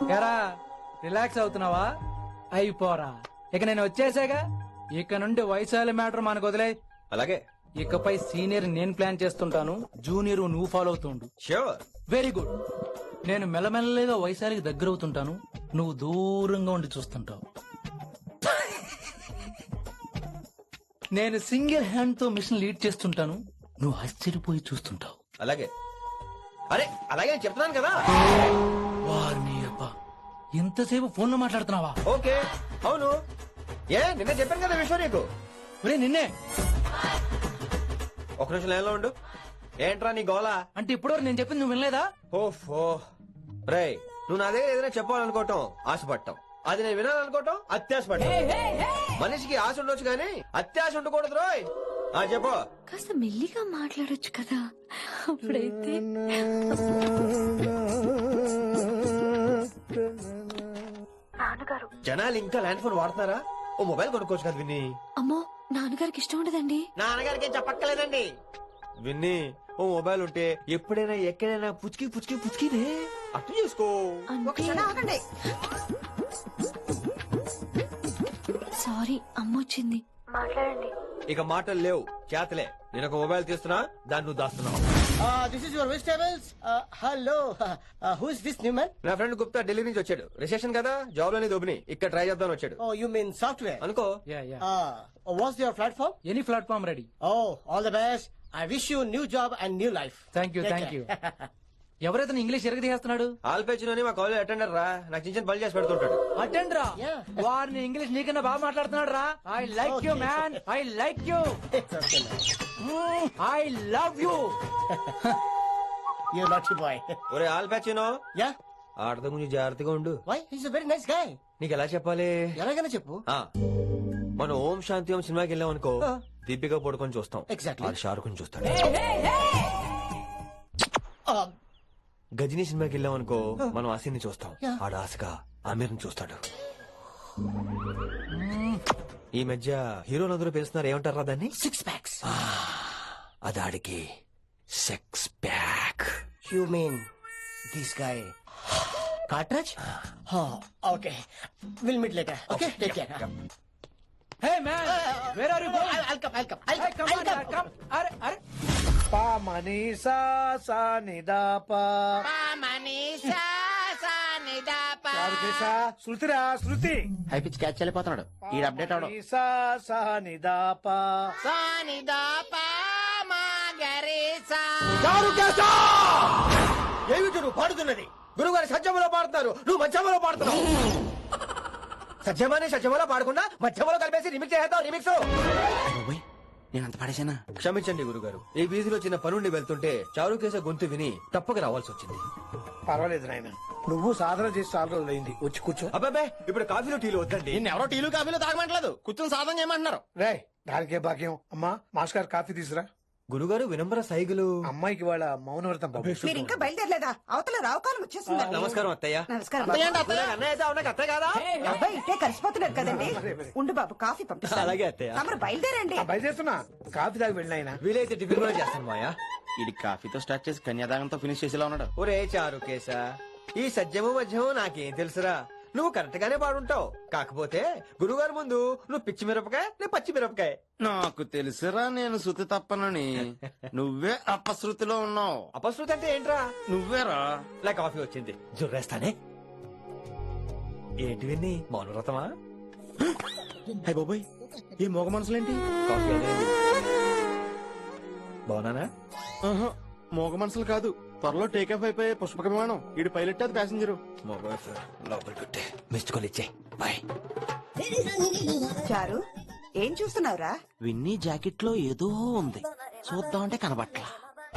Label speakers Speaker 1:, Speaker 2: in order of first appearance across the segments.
Speaker 1: ఎరా రిలాక్స్ అవుతున్నావా? అయిపోరా, ఇక నేను వచ్చేసాగా. ఇక నుండి వయసాల మ్యాటర్ మనకు వదిలే.
Speaker 2: అలాగే.
Speaker 1: ఇకపై సీనియర్ నేను ప్లాన్ చేస్తుంటాను, జూనియర్ నువ్వు ఫాలో అవుతుండు.
Speaker 2: ష్యూర్.
Speaker 1: Very good. నేను మెల్లమెల్లగా వయసాలికి దగ్గర అవుతుంటాను, నువ్వు దూరంగా ఉండి చూస్తుంటావు. నేను సింగిల్ హ్యాండ్ తో మిషన్ లీడ్ చేస్తుంటాను, నువ్వు ఆశ్చర్యపోయి చూస్తుంటావు.
Speaker 2: అలాగే. అరే అలాగే అని చెప్తున్నాను కదా.
Speaker 1: వారిని అబ్బా, ఎంతసేపు ఫోన్ లో మాట్లాడుతున్నావా?
Speaker 2: ఓకే. అవును. నిన్న చెప్పాను కదా విషయం నీకు.
Speaker 1: ఒరే నిన్నే.
Speaker 2: ఒక నిమిషం లైన్లో ఉండు. ఏంట్రా నీ గోలా?
Speaker 1: అంటే ఇప్పటివరకు నేను చెప్పింది నువ్వు వినలేదా?
Speaker 2: ఓఫో రే, నువ్వు నా దగ్గర ఏదైనా చెప్పాలనుకోవటం ఆశపడటం, అది నేను వినాలనుకోవటం అత్యాశపడటం. మనిషికి ఆశ ఉండొచ్చు కానీ అత్యాశ ఉండకూడదు రోయ్. చెప్పు.
Speaker 3: కాస్త మెల్లిగా మాట్లాడొచ్చు కదా, అప్పుడైతే. నాన్నగారు,
Speaker 2: జనాలు ఇంకా ల్యాండ్ ఫోన్ వాడుతున్నారా? ఓ మొబైల్ కొనుక్కోవచ్చు కదా విన్ని.
Speaker 3: అమ్మో, నాన్నగారికి ఇష్టం ఉండదండి.
Speaker 2: నాన్నగారికి చెప్పక్కర్లేదండి. విన్ని, ఓ మొబైల్ ఉంటే ఎప్పుడైనా ఎక్కడైనా పుచ్చుకి పుచ్చుకి పుచ్చుకినే అర్థం చేసుకో.
Speaker 3: సారీ, అమ్మ వచ్చింది. మాట్లాడండి.
Speaker 2: ఇక మాటలు లేవు, చేతలే. నేను ఒక మొబైల్ తీస్తున్నా, దాన్ని నువ్వు దాస్తున్నావు.
Speaker 4: This is your vegetables. Hello. Who is this new man?
Speaker 2: నా ఫ్రెండ్ గుప్తా ఢిల్లీ నుంచి వచ్చాడు. రిసెషన్ కదా, జాబ్ లోని దొబ్బిని ఇక్కడ ట్రై చేద్దాం వచ్చాడు.
Speaker 4: Oh, you mean software?
Speaker 2: అనుకో.
Speaker 4: What's your platform?
Speaker 1: Any platform ready.
Speaker 4: Oh, all the best. I wish you new job and new life.
Speaker 1: Thank you, thank you. ఎవరైతే ఇంగ్లీష్ ఎరగదీస్తున్నాడు?
Speaker 2: ఆల్పేచినోని మా కాలేజ్ అటెండర్ రా, నాకు చిన్న చిన్న పని చేసి పెడుతుంటాడు.
Speaker 1: అటెండ్ రా. వారిని ఇంగ్లీష్ నీకన్నా బాగా మాట్లాడుతున్నాడు రా. I like you man, I like you, I love you.
Speaker 4: You naughty boy.
Speaker 2: ఒరే ఆల్పేచినో,
Speaker 4: Yeah?
Speaker 2: ఆడత గురించి జాగ్రత్తగా ఉండు.
Speaker 4: Why? He's a very nice guy.
Speaker 2: నీకు ఎలా చెప్పాలి?
Speaker 4: ఎలాగైనా చెప్పు.
Speaker 2: మనం ఓం శాంతి ఓం సినిమాకి వెళ్ళాం అనుకో, దీపిక పడుకొని చూస్తాం.
Speaker 4: Exactly.
Speaker 2: షారుఖ్ చూస్తాడు. గజనీ సినిమాకి వెళ్ళాం అనుకో, మనం ఆసిని చూస్తాం. ఆడ ఆశగా ఆమీర్ చూస్తాడు. ఈ మధ్య హీరోలందరూ పిలుస్తున్నారు, ఏమంటారా దాన్ని?
Speaker 4: 6 packs.
Speaker 2: అదాడికి sex pack.
Speaker 4: You mean this guy? Cartridge? Oh, okay. We'll meet later. Okay, take care.
Speaker 1: Hey man, where are you going?
Speaker 4: I'll come.
Speaker 1: Hey, come on, yaar, come. అరే
Speaker 5: పా మనీసా సా నిదాపా శృతిరా శృతి
Speaker 4: హై పిచ్ క్యాచ్ వెళ్ళిపోతున్నాడు. ఈ update అవడం.
Speaker 5: మనీసా సా నిదాపా
Speaker 2: ఏమిటి నువ్వు పాడుతున్నది? గురుగారు సత్యములో పాడుతున్నారు, నువ్వు మధ్యమలో పాడుతున్నావు. సత్యమని సత్యములో పాడకుండా మధ్యమలో కలిపేసి రిమిక్స్ చేద్దాం. రిమిక్స్
Speaker 4: నేను అంత పడేసానా?
Speaker 2: క్షమించండి గురుగారు, ఈ వీధిలో చిన్న పనుండి వెళ్తుంటే చారుకేశ గొంతు విని తప్పక రావాల్సి వచ్చింది.
Speaker 5: పర్వాలేదు నాయన, నువ్వు సాధన చేసి చాలా రోజులైంది. వచ్చి కూర్చో.
Speaker 2: అబ్బాబే, ఇప్పుడు కాఫీలో టీలు వద్దండి.
Speaker 4: ఎవరో టీలు కాఫీలు తాగమంటలేదు, కూర్చొని సాధన చేయమంటున్నారు.
Speaker 5: రే దానికే భాగ్యం. అమ్మా మాస్ గారు కాఫీ తీసురా.
Speaker 2: గురుగారు వినమ్ర సైగులు.
Speaker 5: అమ్మాయికి వాళ్ళ మౌనవ్రతం బాబు.
Speaker 6: మీరు ఇంకా బయలుదేరలేదా? అవతల రావుకాలం వచ్చేస్తుంది.
Speaker 2: నమస్కారం అత్తయ్య.
Speaker 6: నమస్కారం.
Speaker 2: అన్నయ్య అయితే అవునా అత్తయ్య కాదా?
Speaker 6: అబ్బాయి ఇట్టే కలిసిపోతున్నారు కదండి. ఉండు బాబు, కాఫీ పంపిస్తాను.
Speaker 2: అలాగే అత్తయ్య.
Speaker 6: తమరు బయలుదేరండి.
Speaker 5: బయలుదేరుతున్నా, కాఫీ తాగి వెళ్ళినాయన.
Speaker 2: వీలైతే టిఫిన్ కూడా చేస్తాను మాయా.
Speaker 4: ఇది కాఫీతో స్టార్ట్ చేసి కన్యాదానంతో ఫినిష్ చేసేలా ఉన్నాడు.
Speaker 2: ఒరే చారుకేశ, ఈ సత్యము మధ్యము నాకేం తెలుసురా? నువ్వు కరెక్ట్ గానే పాడుంటావు. కాకపోతే గురుగారు ముందు నువ్వు పిచ్చి మిరపకాయ, నేను పచ్చి మిరపకాయ.
Speaker 4: నాకు తెలుసురా నేను శృతి తప్పనని. నువ్వే అపశృతిలో ఉన్నావు.
Speaker 2: అపశృతి అంటే ఏంట్రా?
Speaker 4: నువ్వేరా.
Speaker 2: నా కాఫీ వచ్చింది, జుర్రేస్తానే. ఏంటి విన్ని, మౌనవ్రతమా?
Speaker 4: హై బాబాయ్, ఈ మోగ మనసులేంటి?
Speaker 2: కాఫీ అదేంటి? బాగున్నానా?
Speaker 4: మోగ మనసులు కాదు, త్వరలో టేకాఫ్ అయిపోయే పుష్పక విమానం. ఈడు పైలట్, అది ప్యాసింజరు.
Speaker 2: లోపలికి మిస్డ్ కాల్ ఇచ్చే. బాయ్.
Speaker 6: చారు, ఏం చూస్తున్నావురా?
Speaker 4: విన్నీ జాకెట్ లో ఏదో ఉంది, చూద్దామంటే కనబట్లా.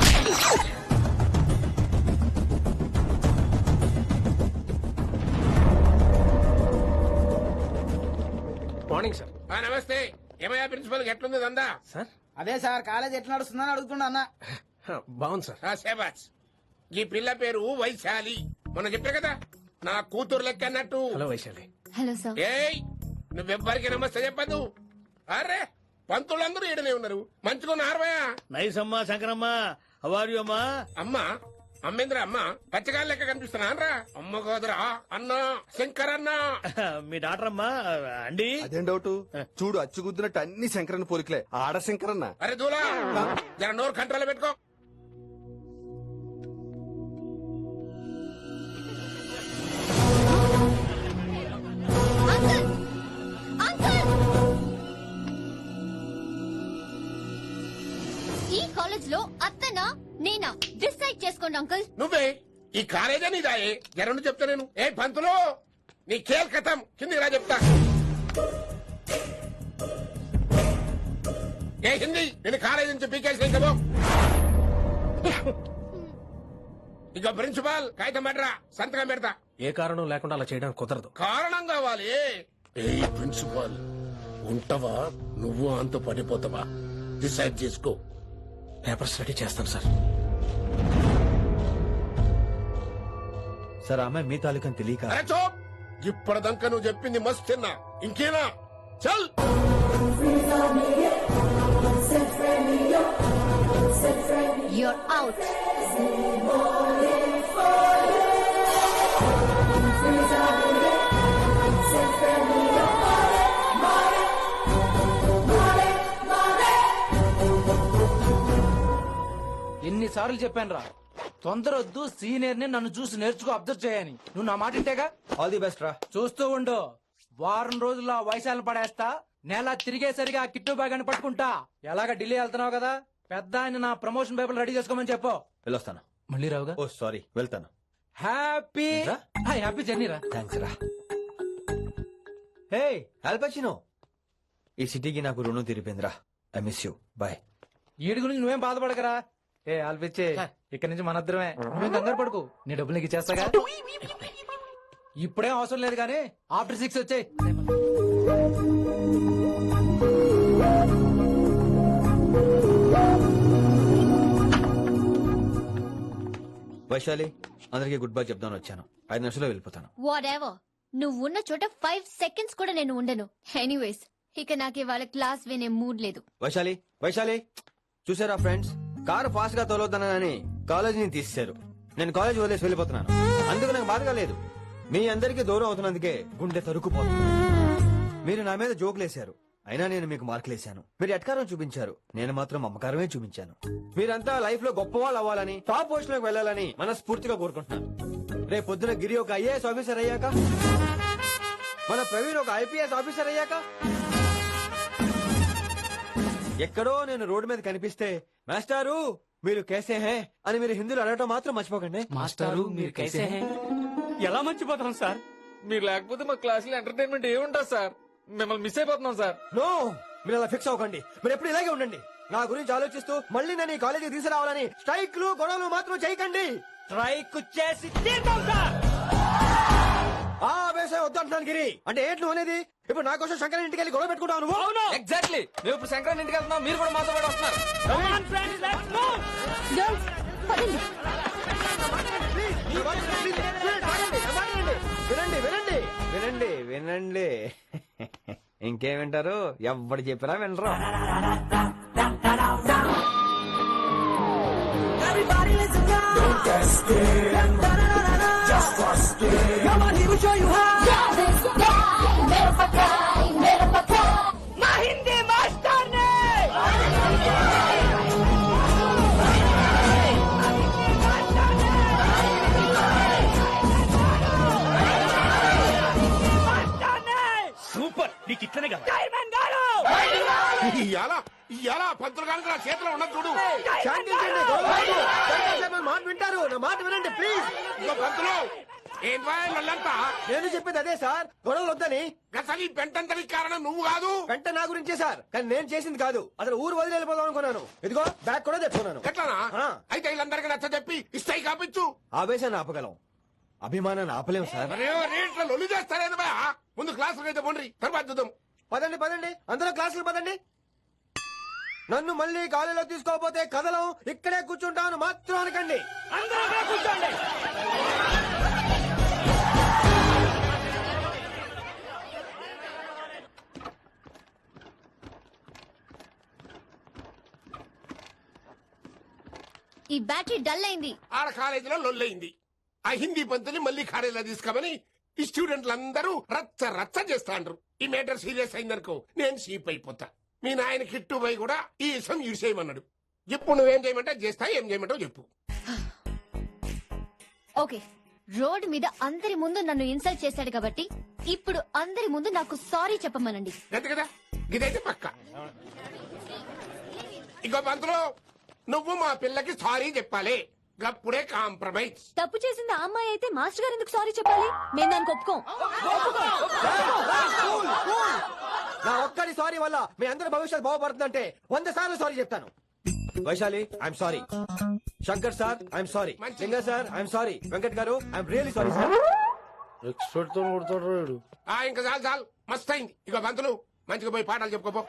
Speaker 2: Morning sir.
Speaker 7: నమస్తే. ఏమయ్యా ప్రిన్సిపల్, ఎట్లుంది దందా?
Speaker 2: సార్
Speaker 8: అదే సార్, కాలేజ్ ఎట్లా నడుస్తుందని అడుగుతున్నా అన్న.
Speaker 2: బాగుంది సార్.
Speaker 7: శేబాస్. ఈ పిల్ల పేరు వైశాలి. మొన్న చెప్పా కదా, నా కూతురు లెక్క అన్నట్టు.
Speaker 2: హలో వైశాలి.
Speaker 3: Hello sir.
Speaker 7: ఏయ్, నువ్వెవ్వరికి నమస్తే చెప్పద్దు. అరే, పంతులందరూ ఈడనే ఉన్నారు, మంచుకున్న ఆర్వయా.
Speaker 5: నైస్ అమ్మా శంకరమ్మా. హౌ ఆర్ యు అమ్మా?
Speaker 7: అమ్మా, అమ్మేంద్ర అమ్మ పచ్చగాయలు లెక్క కనిపిస్తున్నా రా అమ్మ కాదురా అన్న శంకర్ అన్న
Speaker 4: మీ డాక్టర్ అమ్మా అండి
Speaker 5: అదేం డౌట్ చూడు అచ్చుగుద్దినట్టు అన్ని శంకరన్న పోలికలే ఆడ శంకరన్న
Speaker 7: అరే దూలా జర నోరు కంట్రోల్ పెట్టుకో
Speaker 3: ఈ కాలేజ్ లో అత్తనా నేనా డిసైడ్ చేసుకోండి అంకుల్.
Speaker 7: నువ్వే ఈ కాలేజా నీదాయే జరను చెప్తా నేను ఏ పంతులు నీ ఖేల్ కథం కిందికి రా చెప్తా ఏ హిందీ నేను కాలేజీ నుంచి పీకేసి ఇంకబో ఇక ప్రిన్సిపాల్ కాగితం పెట్టరా సంతకం పెడతా
Speaker 4: ఏ కారణం లేకుండా అలా చేయడానికి కుదరదు.
Speaker 7: కారణం కావాలి ఏ ప్రిన్సిపాల్ ఉంటావా నువ్వు అంత పడిపోతావా డిసైడ్ చేసుకో
Speaker 4: పేపర్స్ రెడీ చేస్తాను సార్.
Speaker 2: సార్ ఆమె మీ తాలూకని తెలియక
Speaker 7: అరే చోప్ ఇప్పటిదాకా నువ్వు చెప్పింది మస్తు తిన్నా ఇంకేనా చల్
Speaker 3: You're out.
Speaker 1: ఎన్నిసార్లు చెప్పాను రా, తొందరొద్దు, సీనియర్ ని నన్ను చూసి నేర్చుకో, అబ్జర్వ్ చేయని. నువ్వు నా మాట ఇంటేగా.
Speaker 2: ఆల్ ది బెస్ట్ రా.
Speaker 1: చూస్తూ ఉండు, వారం రోజుల్లో ఆ వయసాలను పడేస్తా. నెల తిరిగేసరిగా ఆ కిట్టు బ్యాగ్ అని పట్టుకుంటా. ఎలాగ ఢిల్లీ వెళ్తున్నావు కదా, పెద్ద ఆయన నా ప్రమోషన్ పేపర్ రెడీ చేసుకోమని చెప్పు.
Speaker 2: వెళ్ళొస్తాను.
Speaker 1: మళ్ళీ రావుగా.
Speaker 2: ఓ సారీ, వెళ్తాను.
Speaker 1: హ్యాపీ హ్యాపీ జర్నీ రా.
Speaker 2: థ్యాంక్స్ రా. హే ఆల్పచినో, ఈ సిటీకి నాకు రుణం తీరిపోయిందిరా. I miss you. బాయ్.
Speaker 1: వీడి గురించి నువ్వేం బాధపడకరా. ఏ ఆల్పిచ్చే, ఇక్కడి నుంచి మనద్దరమే. నువ్వేం కంగారు పడుకు, నీ డబ్బులు నీకు ఇచ్చేస్తాగా. ఇప్పుడేం అవసరం లేదు కానీ ఆఫ్టర్ 6 వచ్చాయి.
Speaker 2: వైశాలి, అందరికి గుడ్ బై చెప్దాను వచ్చాను. 5 నిమిషాల్లో వెళ్ళిపోతాను.
Speaker 3: Whatever. నువ్వు ఉన్న చోట 5 seconds కూడా నేను ఉండను. ఎనీవేస్, ఇక నాకు ఇవాళ క్లాస్ వినే మూడ్ లేదు.
Speaker 2: వైశాలి, వైశాలి, చూసారా ఫ్రెండ్స్, కారు ఫాస్ట్ గా తోలొద్దనని కాలేజీని తీసేశారు. నేను కాలేజ్ వదిలేసి వెళ్ళిపోతున్నాను. అందుకు నాకు బాధగా లేదు. మీ అందరికీ దూరం అవుతున్నందుకే గుండె తరుక్కుపోతుంది. మీరు నా మీద జోకులేశారు, అయినా నేను మీకు మార్కులేశాను. మీరు ఎట్కారం చూపించారు, నేను మాత్రం మమకారమే చూపించాను. మీరంతా లైఫ్ లో గొప్ప వాళ్ళు అవ్వాలని, టాప్ పొజిషన్ లోకి వెళ్ళాలని మనస్ఫూర్తిగా కోరుకుంటున్నాను. రేపు పొద్దున గిరి ఒక ఐఏఎస్ ఆఫీసర్ అయ్యాక, మన ప్రవీణ్ ఒక ఐపీఎస్ ఆఫీసర్ అయ్యాక, ఎక్కడో నేను రోడ్డు మీద కనిపిస్తే మాస్టారు మీరు కేసే హే అని మీరు హిందీలో అడగటం మాత్రం మర్చిపోకండి.
Speaker 1: మాస్టారు మీరు కైసే హై?
Speaker 9: ఎలా మర్చిపోతాం సార్? మీరు లేకపోతే మా క్లాసులో ఎంటర్టైన్మెంట్ ఏముంటుంది సార్? మిమ్మల్ని మిస్ అయిపోతున్నాం సార్.
Speaker 2: నో, మీరు అలా ఫిక్స్ అవ్వకండి. మీరు ఎప్పుడు ఇలాగే ఉండండి. నా గురించి ఆలోచిస్తూ మళ్ళీ నేను ఈ కాలేజీకి తీసుకురావాలని స్ట్రైక్లు గొడవలు మాత్రం చేయకండి.
Speaker 4: స్ట్రైక్ చేసి తీర్థం సార్.
Speaker 2: ఆ వేసే వద్దంటున్నాను గిరి. అంటే ఏంటి నువ్వు అనేది? ఇప్పుడు నా కోసం శంకర్ ఇంటికి వెళ్ళి గొడవ పెట్టుకుంటావు నువ్వు?
Speaker 9: ఎగ్జాక్ట్లీ. మేము ఇప్పుడు శంకరన్ ఇంటికి వెళ్తున్నాం, మీరు కూడా మాతో పాటు వస్తున్నారు.
Speaker 3: Girls, పదండి.
Speaker 2: వినండి వినండి వినండి వినండి. ఇంకేం వింటారు? ఎవడు చెప్పినా వినరు.
Speaker 4: సూపర్, నీకు ఇట్లనే కదా.
Speaker 7: ఇవాళ పంతులు కనుక నా చేతిలో ఉన్నది చూడు.
Speaker 2: శాంతించండి, గొడవ వద్దు. శంకర్ సార్ నా మాట వింటారు. నా మాట వినండి ప్లీజ్.
Speaker 7: ఇగో పంతులు ఏం వాళ్ళంతా
Speaker 2: నేను చెప్పేది అదే సార్, గొడవలు వద్దని.
Speaker 7: అసలు ఈ పెంటంతరికి కారణం నువ్వు కాదు.
Speaker 2: వెంట నా గురించే సార్, కానీ నేను చేసింది కాదు. అసలు ఊరు వదిలి వెళ్ళిపోదాం అనుకున్నాను. ఇదిగో బ్యాగ్ కూడా తెచ్చుకున్నాను.
Speaker 7: ఎట్లానా?
Speaker 2: ఆ.
Speaker 7: అయితే వీళ్ళందరికీ నచ్చ చెప్పి ఇస్తాయి కాపించు.
Speaker 2: ఆవేశాన్ని ఆపగలం, అభిమానాన్ని ఆపలేం సార్.
Speaker 7: అరే రేట్ల లొల్లి చేస్తారేది బా. ముందు క్లాసులకు అయితే పోండి, తర్వాత చూద్దాం.
Speaker 2: పదండి పదండి, అందరూ క్లాసులు పదండి. నన్ను మళ్ళీ కాలేజీలో తీసుకోకపోతే కదలం, ఇక్కడే కూర్చుంటాను మాత్రం అనకండి.
Speaker 4: అందరూ కూర్చోండి.
Speaker 3: ఈ బ్యాటరీ డల్ అయింది.
Speaker 7: ఆడ కాలేజీలో లొల్లయింది. ఆ హిందీ పంతుని మళ్ళీ కాలేజీలో తీసుకోమని ఈ స్టూడెంట్లందరూ రచ్చ రచ్చ చేస్తాండ్రు. ఈ మేటర్ సీరియస్ అయిందనుకో నేను సీప్ అయిపోతా. మీ నాయన కిట్టు పోయి కూడా ఈ విషయం ఇడిసేయమన్నాడు. ఇప్పుడు నువ్వేం చేయమంటే చేస్తా, ఏం చేయమంటావు చెప్పు.
Speaker 3: ఓకే, రోడ్ మీద అందరి ముందు నన్ను ఇన్సల్ట్ చేశాడు కాబట్టి ఇప్పుడు అందరి ముందు నాకు సారీ చెప్పమనండి.
Speaker 7: అంతే కదా, ఇదైతే పక్క. ఇంకో పంతులు, నువ్వు మా పిల్లకి సారీ చెప్పాలి. గప్పుడే కాంప్రమైజ్.
Speaker 3: తప్పు చేసింది ఆ అమ్మాయి అయితే మాస్టర్ గారు ఎందుకు సారీ చెప్పాలి? మేము దానికి ఒప్పుకోం.
Speaker 2: నా ఒక్కడి సారీ వల్ల మీ అందరి భవిష్యత్తు బాగుపడుతుందంటే 100 సార్లు సారీ చెప్తాను. Vaishali I'm sorry. Shankar sir I'm sorry. Linga sir I'm sorry. Venkat గారు I'm really sorry sir.
Speaker 5: Expert తో కొడతాడు.
Speaker 7: ఇంకా చాలు చాలు, మస్త్ అయింది. ఇక పంతులు మంచిగా పోయి పాఠాలు చెప్పుకోపో.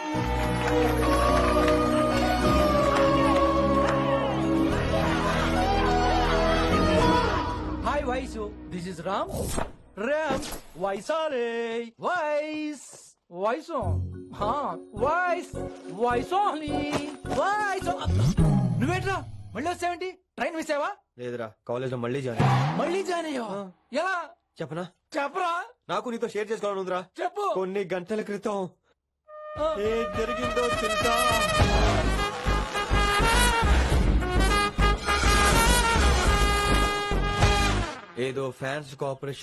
Speaker 1: Hi Vaisu, this is Ram. వైసాలే వైస్ వైసు వైస్ వైసోలీ వైసో. నువ్వేట్రా మళ్ళీ వచ్చావేంటి? ట్రైన్ మిస్ అయ్యావా?
Speaker 2: లేదురా, కాలేజ్ లో మళ్ళీ జాయిన్.
Speaker 1: మళ్ళీ జాయిన్ అయ్యావా? ఎలా
Speaker 2: చెప్పనా?
Speaker 1: చెప్పరా.
Speaker 2: నాకు నీతో షేర్ చేసుకోవాలని ఉందిరా.
Speaker 1: చెప్పు.
Speaker 2: కొన్ని గంటల క్రితం ఏం జరిగిందో తెలుసా? ఏదో ఫ్యాన్స్ కోఆపరేషన్